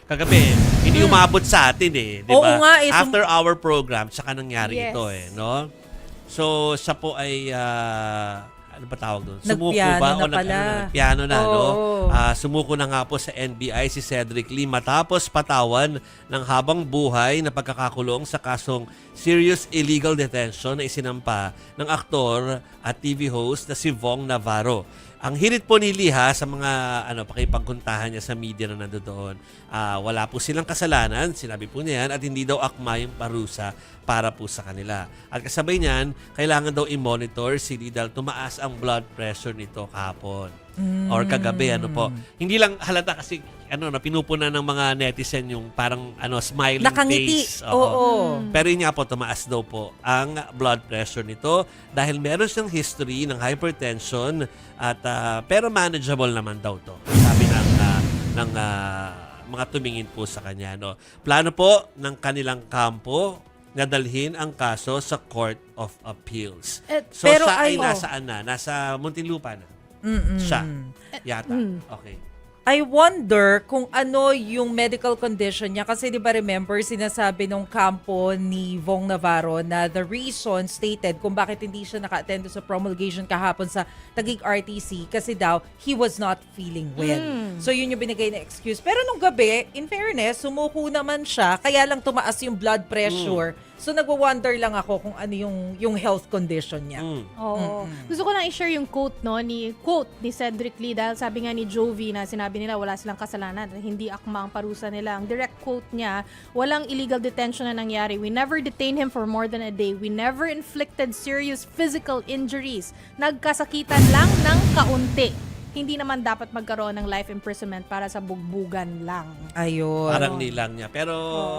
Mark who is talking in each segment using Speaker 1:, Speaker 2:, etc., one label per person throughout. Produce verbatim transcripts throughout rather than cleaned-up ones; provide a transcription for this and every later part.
Speaker 1: kagabi, hindi umabot sa atin eh. Di
Speaker 2: Oo
Speaker 1: ba?
Speaker 2: nga eh, sum-
Speaker 1: After our program, saka nangyari
Speaker 3: Yes.
Speaker 1: ito eh. No? So, siya po ay, ah, ano ba tawag doon? Sumuko
Speaker 2: Nagpiano
Speaker 1: ba?
Speaker 2: na
Speaker 1: O nag,
Speaker 2: pala.
Speaker 1: ano, nagpiano na, no?
Speaker 2: Oo.
Speaker 1: Ah, sumuko na nga po sa N B I si Cedric Lee matapos patawan ng habang buhay na pagkakakulong sa kasong serious illegal detention na isinampa ng aktor at T V host na si Vong Navarro. Ang hirit po ni Lee ha, sa mga ano, pakipagkuntahan niya sa media na nandoon, ah, wala po silang kasalanan, sinabi po niya yan, at hindi daw akma yung parusa para po sa kanila. At kasabay niyan, kailangan daw i-monitor si Lee dahil tumaas ang blood pressure nito kahapon. Or kagabi, ano po. Hindi lang halata kasi ano na pinupuna ng mga netizen yung parang ano smiling
Speaker 2: Nakangiti.
Speaker 1: face.
Speaker 2: Oo.
Speaker 1: Pero yun nga po, tumaas daw po ang blood pressure nito dahil meron siyang history ng hypertension at ah, pero manageable naman daw to. Sabi ng ah, ng ah, mga tumingin po sa kanya, no. Plano po ng kanilang kampo na dalhin ang kaso sa Court of Appeals.
Speaker 3: Eh,
Speaker 1: So
Speaker 2: pero
Speaker 1: siya ay
Speaker 2: ay-
Speaker 1: nasaan na? Nasa Muntinlupa na.
Speaker 2: Mm-mm.
Speaker 1: Siya. Yata. Okay.
Speaker 2: I wonder kung ano yung medical condition niya. Kasi di ba remember, sinasabi nung kampo ni Vong Navarro na the reason stated kung bakit hindi siya naka-attend sa promulgation kahapon sa Taguig R T C kasi daw he was not feeling well. So yun yung binigay na excuse. Pero nung gabi, in fairness, sumuko naman siya kaya lang tumaas yung blood pressure. So nagwa-wonder lang ako kung ano yung yung health condition niya.
Speaker 1: Mm.
Speaker 3: Oo. Gusto ko lang i-share yung quote no ni quote ni Cedric Lee dahil sabi nga ni Jovi na sinabi nila wala silang kasalanan, hindi akma ang parusa nila. Ang direct quote niya, walang illegal detention na nangyari. We never detained him for more than a day. We never inflicted serious physical injuries. Nagkasakitan lang ng kaunti. Hindi naman dapat magkaroon ng life imprisonment para sa bugbugan lang.
Speaker 2: Ayun.
Speaker 1: Parang nilang niya. Pero,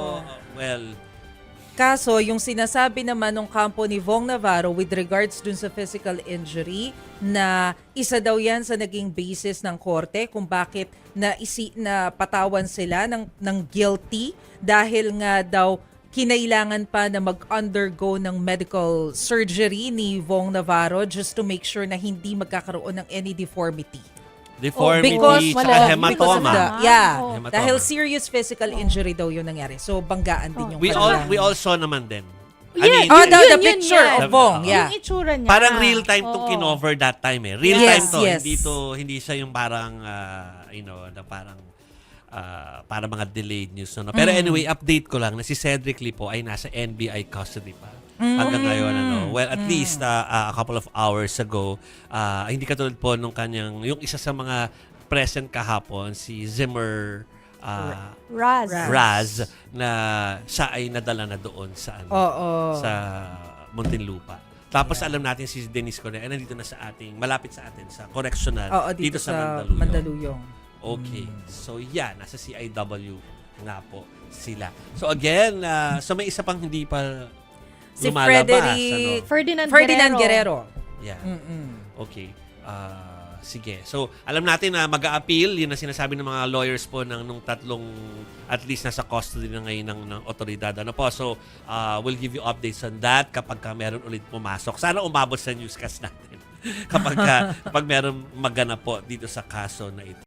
Speaker 1: well,
Speaker 2: Kaso, yung sinasabi naman ng kampo ni Vong Navarro with regards dun sa physical injury na isa daw yan sa naging basis ng korte kung bakit na, isi, na patawan sila ng, ng guilty dahil nga daw kinailangan pa na mag-undergo ng medical surgery ni Vong Navarro just to make sure na hindi magkakaroon ng any deformity.
Speaker 1: deformity,
Speaker 2: because
Speaker 1: tsaka
Speaker 3: wala-
Speaker 2: Because of
Speaker 1: hematoma.
Speaker 2: the, yeah,
Speaker 3: Oh.
Speaker 1: Hematoma.
Speaker 2: dahil serious physical injury daw yung nangyari. So, banggaan din yung
Speaker 1: We all,
Speaker 2: kanilang-
Speaker 1: we all saw naman din.
Speaker 3: Yeah,
Speaker 2: Oh,
Speaker 1: yun-
Speaker 2: the,
Speaker 3: Yun,
Speaker 2: the
Speaker 3: yun
Speaker 2: picture
Speaker 3: yan.
Speaker 2: of Vong, yeah.
Speaker 3: Yung itsura niya.
Speaker 1: Parang real time tong
Speaker 3: Oo.
Speaker 1: kinover that time eh. Real
Speaker 2: Yes,
Speaker 1: time to.
Speaker 2: yes.
Speaker 1: Hindi to, hindi siya yung parang, ah, you know, na parang, ah, para mga delayed news. No? Pero anyway, update ko lang na si Cedric Lee po ay nasa N B I custody pa. Hanggang ngayon, ano. Well, at least ah, ah, a couple of hours ago, ah, hindi katulad po nung kanyang, yung isa sa mga present kahapon, si Zimmer ah,
Speaker 3: Raz.
Speaker 2: Raz.
Speaker 1: Raz, na siya ay nadala na doon sa ano,
Speaker 2: Oo.
Speaker 1: sa Muntinlupa. Tapos alam natin si Denise Correa ay nandito na sa ating, malapit sa atin, sa correctional,
Speaker 2: Oo, dito, sa,
Speaker 1: Mandaluyong.
Speaker 2: Mandaluyong.
Speaker 1: Okay. So yeah, nasa C I W nga po sila. So again, ah, so may isa pang hindi pa
Speaker 2: Si
Speaker 1: lumalabas.
Speaker 2: Frederick-
Speaker 1: Ano?
Speaker 3: Ferdinand,
Speaker 2: Ferdinand
Speaker 3: Guerrero.
Speaker 2: Guerrero.
Speaker 1: Yeah.
Speaker 2: Mm-mm.
Speaker 1: Okay. Ah, sige. So, alam natin na mag-a-appeal. Yun ang sinasabi ng mga lawyers po ng nung tatlong at least nasa custody na ngayon ng, ng otoridad. Ano po? So, ah, we'll give you updates on that kapag ka meron ulit pumasok. Sana umabot sa newscast natin kapag, ka, kapag meron maganap po dito sa kaso na ito.